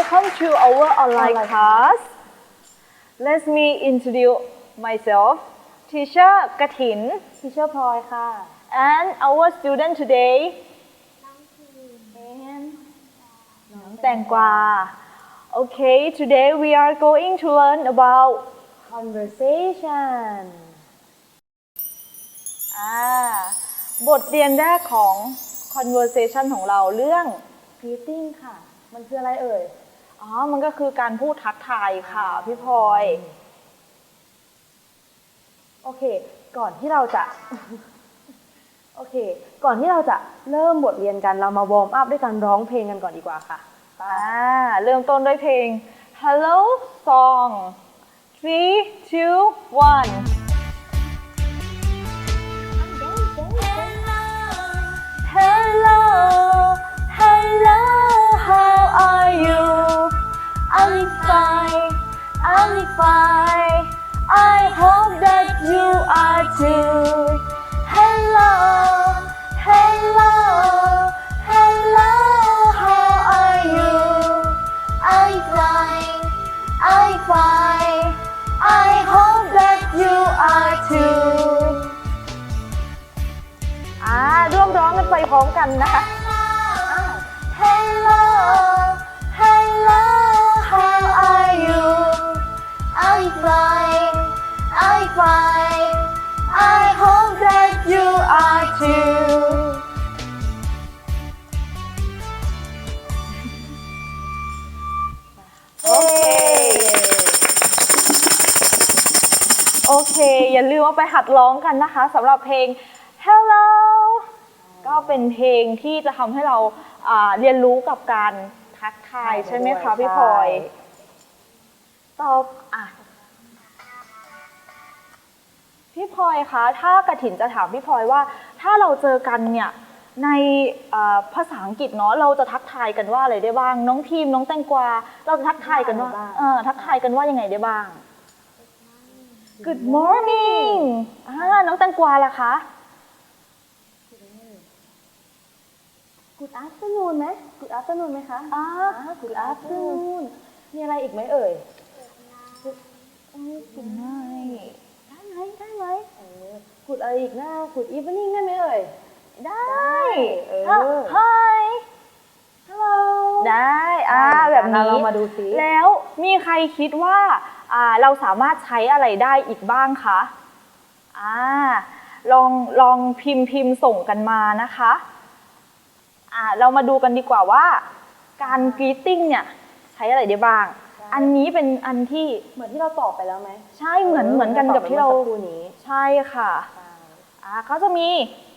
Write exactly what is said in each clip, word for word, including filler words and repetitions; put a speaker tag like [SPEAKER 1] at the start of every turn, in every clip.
[SPEAKER 1] welcome to our online class. Let me introduce myself. Teacher กฐิน
[SPEAKER 2] Teacher พลอยค่ะ
[SPEAKER 1] and our student today น้องแตงกวา Okay, today we are going to learn about
[SPEAKER 2] conversation
[SPEAKER 1] อ่าบทเรียนแรกของ conversation ของเราเรื่อง
[SPEAKER 2] greeting ค่ะ มันคืออะไรเอ่ย
[SPEAKER 1] อ๋อ มันก็คือการพูดทักทายค่ะพี่พลอย
[SPEAKER 2] โอเค ก่อนที่เราจะ โอเค ก่อนที่เราจะเริ่มบทเรียนกัน เรามาวอร์มอัพด้วยการร้องเพลงกันก่อนดีกว่าค่ะ
[SPEAKER 1] อ่า เริ่มต้นด้วยเพลง Hello Song three two one Hello Hello How are you I'm fine I'm fine I hope that you are too Hello Hello Hello How are you I'm fine I'm fine I hope that you are too อ่าร่วมร้องกันไปพร้อมกันนะคะ Hello Hello How are you I'm fine I'm fine I hope that you are too โอเคโอเค อย่าลืมเอาไปหัดร้องกันนะคะสำหรับเพลง Hello ก็เป็นเพลงที่จะทำให้เราเรียนรู้กับการทักทายใช่ไหมคะพี่พลอยตอบอ่ะพี่พลอยคะถ้ากฐินจะถามพี่พลอยว่าถ้าเราเจอกันเนี่ยในภาษาอังกฤษเนาะเราจะทักทายกันว่าอะไรได้บ้างน้องทีมน้องแตงกวาเราจะทักทายกันว่าเออทักทายกันว่ายังไงได้บ้าง Good morning อ่าน้องแตงกวาล่ะคะ
[SPEAKER 2] Good afternoon ไหม Good afternoon ไหมคะ
[SPEAKER 1] อ่า
[SPEAKER 2] Good afternoon มีอะไรอีกไหมเอ่ย
[SPEAKER 1] Good night ได้ไหมได้ไหม
[SPEAKER 2] เออ Good อะไรอีกนะ Good evening ได้ไหมเอ่ย
[SPEAKER 1] ได้เออ
[SPEAKER 2] Hi Hello
[SPEAKER 1] ได้อ่าแบบนี้
[SPEAKER 2] เรามาดูซิ
[SPEAKER 1] แล้วมีใครคิดว่าอ่าเราสามารถใช้อะไรได้อีกบ้างคะอ่าลองลองพิมพ์พิมพ์ส่งกันมานะคะอ่าเรามาดูกันดีกว่าว่าการ greeting เนี่ยใช้อะไรได้บ้างอันนี้เป็นอันที่
[SPEAKER 2] เหมือนที่เราตอบไปแล้วไหม
[SPEAKER 1] ใช่เหมือนเหมือนกันกับที่เรา
[SPEAKER 2] นี้
[SPEAKER 1] ใช่ค่ะอ่าเขาจะมี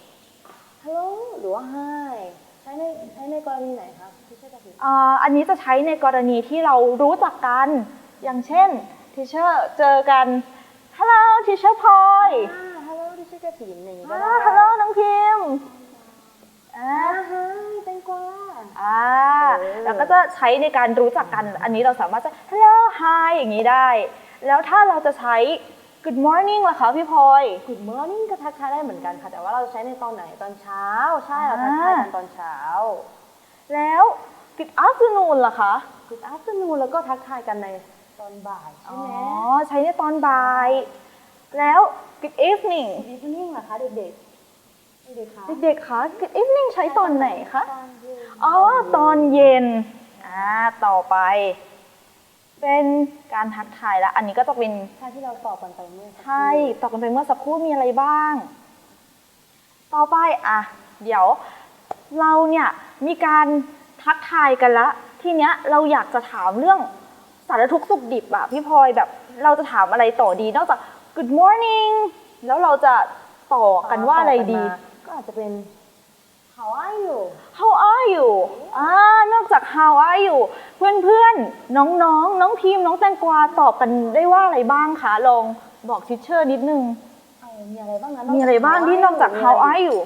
[SPEAKER 2] Hello หรือว่า Hi ใช้ในใช้ในกรณีไหนคะที่ใช่กับ
[SPEAKER 1] อ่าอันนี้จะใช้ในกรณีที่เรารู้จักกันอย่างเช่น teacher เจอกัน Hello teacher พลอย
[SPEAKER 2] Hello teacher กฐินอย่างนี้ก็
[SPEAKER 1] อ่า
[SPEAKER 2] ได้
[SPEAKER 1] Hello น้องพิมพ์อ่า
[SPEAKER 2] Hi แตงกวา
[SPEAKER 1] อ่าแล้วก็จะใช้ในการรู้จักกันอันนี้เราสามารถจะ Hello Hi อย่างนี้ได้แล้วถ้าเราจะใช้ Good morning ล่ะคะพี่พลอย
[SPEAKER 2] Good morning ก็ทักทายได้เหมือนกันค่ะแต่ว่าเราใช้ในตอนไหนตอนเช้าใช่เราทักทายกันตอนเช้า
[SPEAKER 1] แล้ว Good afternoon ล่ะคะ
[SPEAKER 2] Good afternoon แล้วก็ทักทายกันในตอนบ่ายใช่ไหม
[SPEAKER 1] อ๋อใช้ในตอนบ่ายแล้ว Good evening
[SPEAKER 2] Good evening ล่ะคะเด็กๆเด็กๆคะ
[SPEAKER 1] เด็กๆคะ Good evening ใช้ตอนไหนคะ
[SPEAKER 2] ตอนเย็น
[SPEAKER 1] อ๋อตอนเย็นอ่าต่อไปเป็นการทักทายแล้วอันนี้ก็จะเป็น
[SPEAKER 2] ใช่ที่เราตอบกันไปเมื่อสักครู่
[SPEAKER 1] ใช่ตอบกันไปเมื่อสักครู่มีอะไรบ้างต่อไปอ่ะเดี๋ยวเราเนี่ยมีการทักทายกันละทีเนี้ยเราอยากจะถามเรื่องสารทุกข์สุขดิบอะพี่พลอยแบบเราจะถามอะไรต่อดีนอกจาก Good morning แล้วเราจะต่อกันว่าอะไรดี
[SPEAKER 2] ก็อาจจะเป็น How are you
[SPEAKER 1] How are you อ่านอกจาก How are you เพื่อนๆน้องๆ นน้องทีมน้องแตงกวาตอบกันได้ว่าอะไรบ้างคะลองบอกทิชเชอร์นิดนึง
[SPEAKER 2] มีอะไรบ้างนะ
[SPEAKER 1] มีอะไรบ้างที่นอกจาก How are you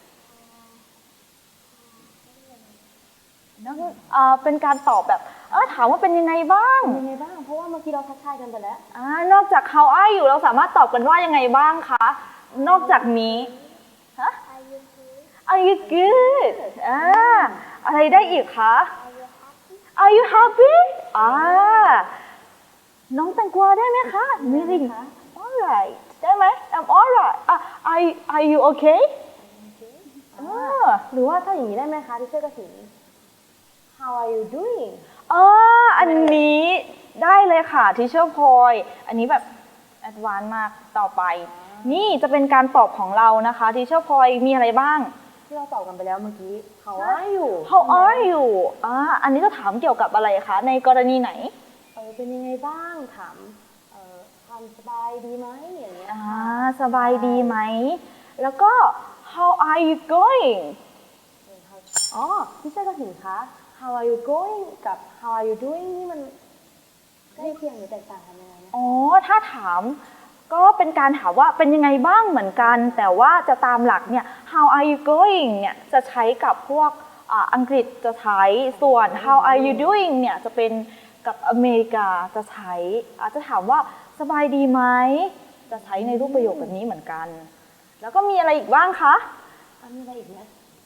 [SPEAKER 1] เป็นการตอบแบบเออถามว่าเป็นยังไงบ้าง
[SPEAKER 2] เป็นยังไงบ้างเพราะว่าเมื่อกี้เราทักทายกันไปแล้ว
[SPEAKER 1] อ่านอกจาก How are you เราสามารถตอบกันว่ายังไงบ้างคะนอกจากนี้ฮะ Are you good อ่าอะไรได้อีกคะ Are you happy อ่าน้องแตงกวาได้ไหมคะไม่ได้ Alright ได้ไหม I'm alright อ่ะ Are Are you okay อ่า
[SPEAKER 2] หรือว่าถ้าอย่างนี้ได้ไหมคะที่ช่วยกระถิ่น How are you doing
[SPEAKER 1] อ่าอันนี้ได้เลยค่ะทีเชอร์พลอยอันนี้แบบแอดวานซ์มากต่อไป นี่จะเป็นการตอบของเรานะคะทีเชอร์พลอยมีอะไรบ้าง
[SPEAKER 2] ที่เราตอบกันไปแล้วเมื่อกี้ How are you
[SPEAKER 1] How are you อ่าอันนี้จะถามเกี่ยวกับอะไรคะ ในกรณีไหน
[SPEAKER 2] เออเป็นยังไงบ้างถามเอ่อความสบายดีไหมอย่างเงี้ย
[SPEAKER 1] อ่า
[SPEAKER 2] ค่ะ
[SPEAKER 1] สบายดีไหม แล้วก็ How are you going
[SPEAKER 2] อ๋อที่ช่วยกระถิ่นคะ How are you going กับ How are you doing นี่มันใกล้เคียงหรือแตกต่างกันยังไงนะ
[SPEAKER 1] อ๋อ ถ้าถามก็เป็นการถามว่าเป็นยังไงบ้างเหมือนกัน แต่ว่าจะตามหลักเนี่ย how are you going เนี่ยจะใช้กับพวกอ่าอังกฤษจะใช้ ส่วน how are you doing เนี่ยจะเป็นกับอเมริกาจะใช้ อาจจะถามว่าสบายดีไหม จะใช้ในรูปประโยคแบบนี้เหมือนกัน แล้วก็มีอะไรอีกบ้างคะ
[SPEAKER 2] อ่ะมีอะไรอีกไหม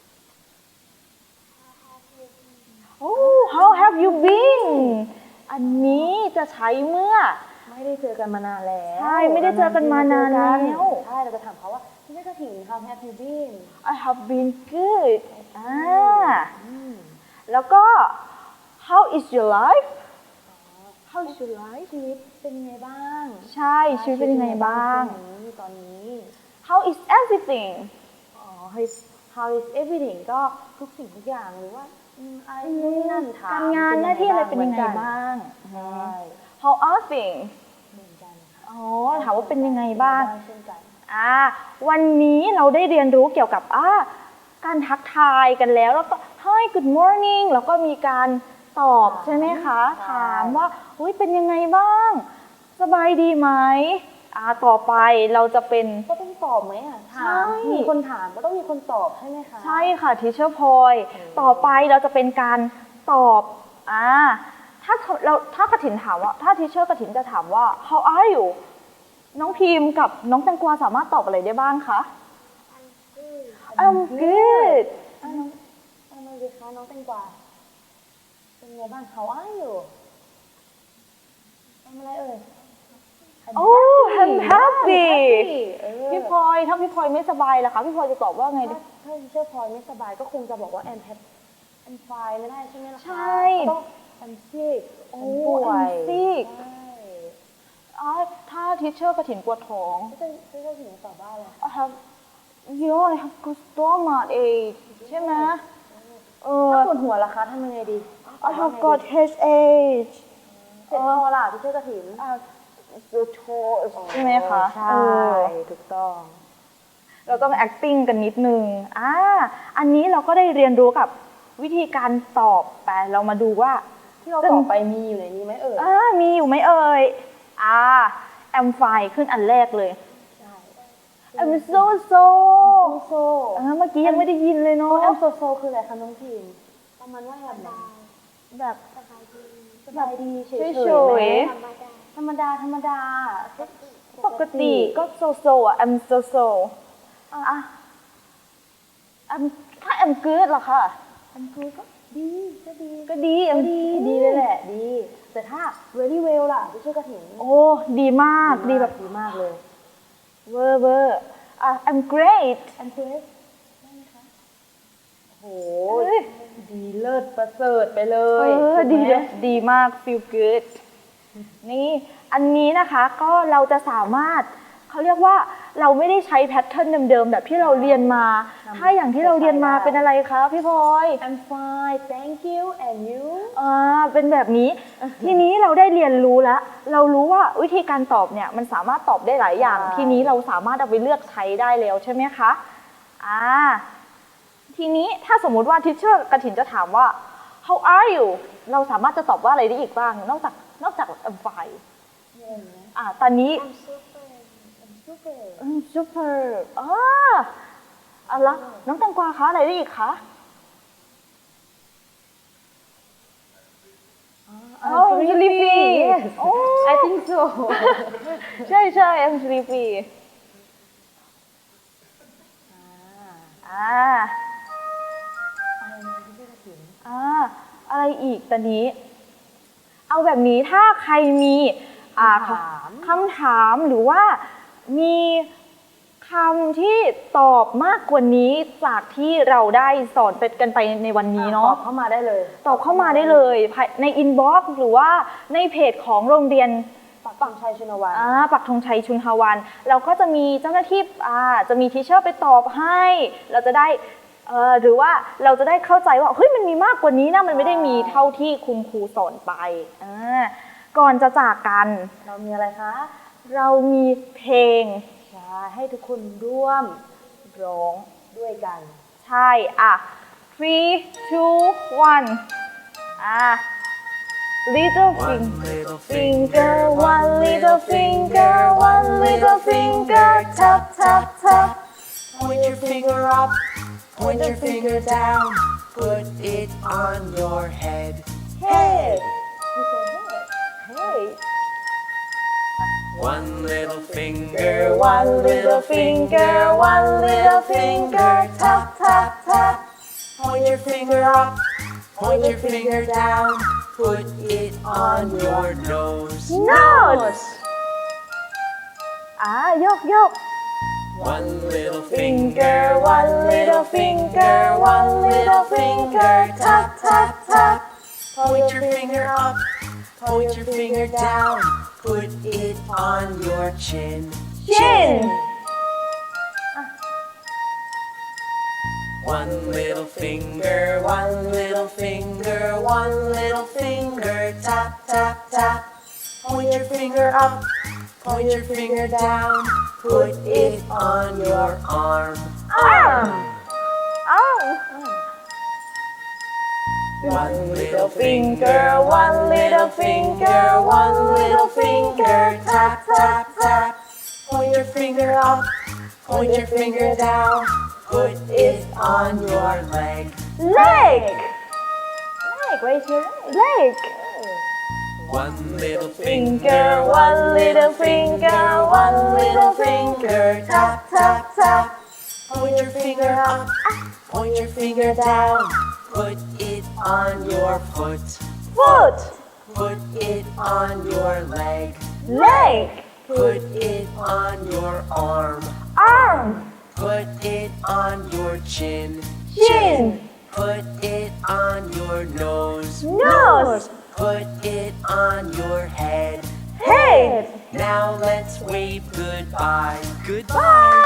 [SPEAKER 1] โอ้ how have you been อันนี้จะใช้เมื่อ
[SPEAKER 2] ไม่ได้เจอกันมานานแล้ว
[SPEAKER 1] ใช่ไม่ได้เจอกันมานานแล้ว
[SPEAKER 2] ใช่เราจะถามเขาว่าที่ช่วยกระถิ่น How have you been
[SPEAKER 1] I have been good อ่า
[SPEAKER 2] อืม
[SPEAKER 1] แล้วก็ how is your life how is your life
[SPEAKER 2] ชีวิตเป็นยังไงบ้าง
[SPEAKER 1] ใช่ชีวิตเป็นยังไงบ้าง
[SPEAKER 2] ช่วงนี้ตอนนี้
[SPEAKER 1] how is everything
[SPEAKER 2] อ๋อ how is how is everything ก็ทุกสิ่งทุกอย่างหรือว่าอืมอะไรนู่นนี่นั่นถาม
[SPEAKER 1] การงานหน้าที่อะไรเป็นยังไง
[SPEAKER 2] หมือกั
[SPEAKER 1] บ้าง
[SPEAKER 2] ใช่
[SPEAKER 1] how are things
[SPEAKER 2] เหมือนกันค่ะ
[SPEAKER 1] อ๋อถามว่าเป็นยังไงบ้าง
[SPEAKER 2] เช่นกัน
[SPEAKER 1] อ่าวันนี้เราได้เรียนรู้เกี่ยวกับอ่าการทักทายกันแล้วแล้วก็ hi good morning แล้วก็มีการตอบใช่ไหมคะ
[SPEAKER 2] ใช่
[SPEAKER 1] ถามว่าอุ้ยเป็นยังไงบ้าง สบายดีไหมอ่าต่อไปเราจะเป็น
[SPEAKER 2] ก็ต้องตอบไหมอ่ะถาม
[SPEAKER 1] ใช่
[SPEAKER 2] มีคนถามก็ต้องมีคนตอบใช่ไหมคะ
[SPEAKER 1] ใช่ค่ะทีเชอร์พลอยต่อไปเราจะเป็นการตอบอ่าถ้าเราถ้ากระถินถามว่าถ้าทีเชอร์กระถินจะถามว่า how are you น้องพิมพ์กับน้องแตงกวาสามารถตอบอะไรได้บ้างคะ I'm good
[SPEAKER 2] อ่ะน้องเอามาสิคะน้องแตงกวาเป็นไงบ้าง How are you ทำอะไรเอ่ย I'm
[SPEAKER 1] โอ้ I'm happy
[SPEAKER 2] happy เออ
[SPEAKER 1] พี่พลอยถ้าพี่พลอยไม่สบายล่ะคะพี่พลอยจะตอบว่าไงดี
[SPEAKER 2] ถ้าถ้าเชื่อพลอยไม่สบายก็คงจะบอกว่า I'm happy I'm fine ไม่ได้ใช่ไหมล่ะคะ
[SPEAKER 1] ใช่
[SPEAKER 2] ก็ต้อง I'm sick
[SPEAKER 1] โอ้
[SPEAKER 2] I'm ป่วย
[SPEAKER 1] I'm sick
[SPEAKER 2] ใช่
[SPEAKER 1] อ๋อถ้าทีเชอร์กระถินปวดท้อง
[SPEAKER 2] ก็จะก็จะถึงตอบว่าอะไร
[SPEAKER 1] I have yeah I have good stomach ache ใช่ไหมเออ
[SPEAKER 2] ถ้าปวดหัวล่ะคะทำยังไงดี
[SPEAKER 1] I have got headache
[SPEAKER 2] เจ็บคอล่ะที่เชื่อกระถิ่น
[SPEAKER 1] อ่า the toes ใช่ไหมคะ
[SPEAKER 2] ใช่
[SPEAKER 1] เออ
[SPEAKER 2] ถูกต้อง
[SPEAKER 1] เราต้อง acting กันนิดนึงอ่าอันนี้เราก็ได้เรียนรู้กับวิธีการตอบไปเรามาดูว่า
[SPEAKER 2] ที่เราตอบไปมีอยู่ในนี้ไหมเอ่ย
[SPEAKER 1] อ่ามีอยู่ไหมเอ่ยอ่า am fine ขึ้นอันแรกเลย
[SPEAKER 2] ใช่
[SPEAKER 1] I'm so so
[SPEAKER 2] โซโซ
[SPEAKER 1] เออเมื่อกี้ยังไม่ได้ยินเลยเนาะ
[SPEAKER 2] แอมโซโซคืออะไรคะน้องพิมประมาณว่าแบบไหน
[SPEAKER 1] แบบ
[SPEAKER 2] สบายดีเฉย
[SPEAKER 1] เฉ
[SPEAKER 2] ๆไหม
[SPEAKER 1] ย
[SPEAKER 2] ธรรมดาธรรมดา
[SPEAKER 1] ปกติก็ so so อ่ะ I'm so so อ่ะ I'm ถ้า I'm good ล่ะค่ะ
[SPEAKER 2] อันคือก็ดีก็ดี
[SPEAKER 1] ก็ดี
[SPEAKER 2] ก็
[SPEAKER 1] I'm
[SPEAKER 2] ดีดีเลยแหละดี แต่ถ้า very well ล่ะที่ชื่อกระถิ่น
[SPEAKER 1] โอ้ ดีมาก ดีแบบ
[SPEAKER 2] ดีมากเลย
[SPEAKER 1] เวอร์เวอร์อ่ะ I'm great
[SPEAKER 2] อันเควสได้ไหมคะโอ้
[SPEAKER 1] เอ้ย
[SPEAKER 2] ดีเลิศประเสริฐไปเล
[SPEAKER 1] เอย อ
[SPEAKER 2] ถูกไหม
[SPEAKER 1] ดีเลยดีมาก feel good นี่ อันนี้นะคะก็เราจะสามารถเขาเรียกว่าเราไม่ได้ใช้แพทเทิร์นเดิมๆแบบที่เราเรียนมา ถ้าอย่างที่เราเรียนมาเป็นอะไรคะพี่พลอย
[SPEAKER 2] I'm fine thank you and you
[SPEAKER 1] อ่าเป็นแบบนี้ ทีนี้เราได้เรียนรู้แล้ว เรารู้ว่าวิธีการตอบเนี่ยมันสามารถตอบได้หลายอย่าง
[SPEAKER 2] ใช่
[SPEAKER 1] ทีนี้เราสามารถเอาไปเลือกใช้ได้แล้วใช่ไหมคะอ่าทีนี้ถ้าสมมุติว่าทิชเชอร์กระถินจะถามว่า how are you เราสามารถจะตอบว่าอะไรได้อีกบ้าง นอกจากนอกจาก I'm fine อ่าตอนนี้
[SPEAKER 2] super
[SPEAKER 1] I'm super อ่าอ่ะแล้วน้องแตงกวาคะอะไรได้อีกคะ Oh, I'm sleepy.
[SPEAKER 2] Yes.
[SPEAKER 1] Oh.
[SPEAKER 2] I think so
[SPEAKER 1] ใช่ใช่ I'm sleepy อ่าอ่าอะไรอีกตอนนี้ เอาแบบนี้ถ้าใครมีอ่า
[SPEAKER 2] คำถาม
[SPEAKER 1] คำถามหรือว่ามีคำที่ตอบมากกว่านี้จากที่เราได้สอนไปกันไปในวันนี้
[SPEAKER 2] ต
[SPEAKER 1] เนาะ
[SPEAKER 2] อบเข้ามาได้เลย
[SPEAKER 1] ตอบเข้ามาได้เลยภายในอินบ็อกซ์หรือว่าในเพจของโรงเรียน
[SPEAKER 2] ปักปังชัยชุนวัน
[SPEAKER 1] อ่าปักธงชัยชุนทวัน เราก็จะมีเจ้าหน้าที่อ่าจะมีทีเชอร์ไปตอบให้ เราจะได้เอ่อหรือว่าเราจะได้เข้าใจว่าเฮ้ยมันมีมากกว่านี้นะมันไม่ได้มีเท่าที่คุณครูสอนไปอ่าก่อนจะจากกัน
[SPEAKER 2] เรามีอะไรคะ
[SPEAKER 1] เรามีเพลง
[SPEAKER 2] ใช่ให้ทุกคนร่วมร้องด้วยกัน
[SPEAKER 1] ใช่อ่ะ three two one อ่ะ little
[SPEAKER 3] One
[SPEAKER 1] finger
[SPEAKER 3] little
[SPEAKER 1] finger one little finger one little finger tap tap tap
[SPEAKER 3] Point your finger up, point your finger down, put it on your head.
[SPEAKER 1] head hey
[SPEAKER 3] One little finger,
[SPEAKER 1] one little finger one little finger tap tap tap
[SPEAKER 3] Point your finger up, point your finger down, put it on your nose.
[SPEAKER 1] nose อ่ะยกยก
[SPEAKER 3] One little
[SPEAKER 1] finger
[SPEAKER 3] finger,
[SPEAKER 1] one little finger one little finger tap tap tap
[SPEAKER 3] point your finger up, point your finger down, put it on your chin.
[SPEAKER 1] chin
[SPEAKER 3] One little finger, one little finger, one little finger, tap, tap, tap. Point your finger up, point your finger down, put it on your arm.
[SPEAKER 1] arm arm
[SPEAKER 3] One little finger, one little finger, one little finger, tap, tap, tap. Point your finger up, point your finger down, put it on your leg.
[SPEAKER 1] leg leg raise your leg
[SPEAKER 3] One little
[SPEAKER 1] finger one little finger one little finger tap tap tap
[SPEAKER 3] Point your finger up, point your finger down, put it on your foot,
[SPEAKER 1] foot
[SPEAKER 3] put it on your leg,
[SPEAKER 1] leg
[SPEAKER 3] put it on your arm,
[SPEAKER 1] arm
[SPEAKER 3] put it on your chin,
[SPEAKER 1] chin
[SPEAKER 3] put it on your nose,
[SPEAKER 1] nose
[SPEAKER 3] put it on your head.
[SPEAKER 1] head
[SPEAKER 3] Now let's wave goodbye. Goodbye.
[SPEAKER 1] bye